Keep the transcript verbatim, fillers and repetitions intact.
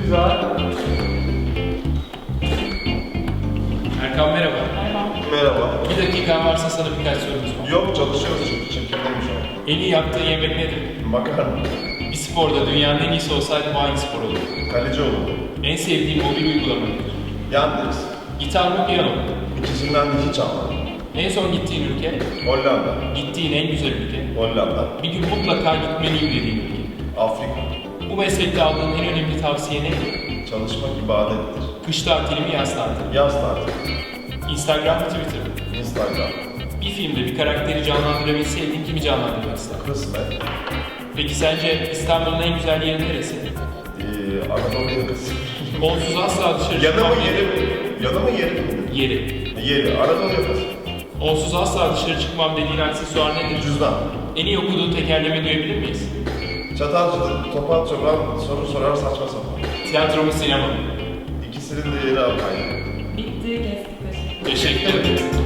Güzel. Erkan merhaba. Merhaba. Bir dakikan varsa sana birkaç sorumuz var. Yok, çalışıyoruz çünkü çekimdeyim şu an. En iyi yaptığın yemek nedir? Makarna. Bir sporda dünyanın en iyisi olsaydın hangi spor olurdu? Kaleci oldu. En sevdiğin mobil uygulama nedir? Yandex. Gitar mı piyano mu? İkisinden de hiç almadım. En son gittiğin ülke? Hollanda. Gittiğin en güzel ülke? Hollanda. Bir gün mutlaka gitmeliyim dediğin ülke? Afrika. Bu meslekte aldığın en önemli tavsiye nedir? Çalışmak ibadettir. Kış tatili mi yaz tatili mi? Yaz tatili. Instagram mı Twitter mı? Instagram. Bir filmde bir karakteri canlandırabilseydin kimi canlandırmak isterdin? Kısmet. Peki sence İstanbul'un en güzel yeri neresi? Ee, Anadolu yakası. Onsuz asla dışarı Yanı çıkmam mı yeri mi? Yanı mı yeri mi? Yeri. Yeri. Anadolu yakası. Onsuz asla dışarı çıkmam dediğin aksesuar nedir? Cüzdan. En iyi okuduğun tekerleme duyabilir miyiz? Çatalcıdır. Topal çoban soru sorar saçma sapan. Tiyatro mu sinema mı? İkisinin de yeri apayrı. Bitti, kestik. Teşekkür ederim.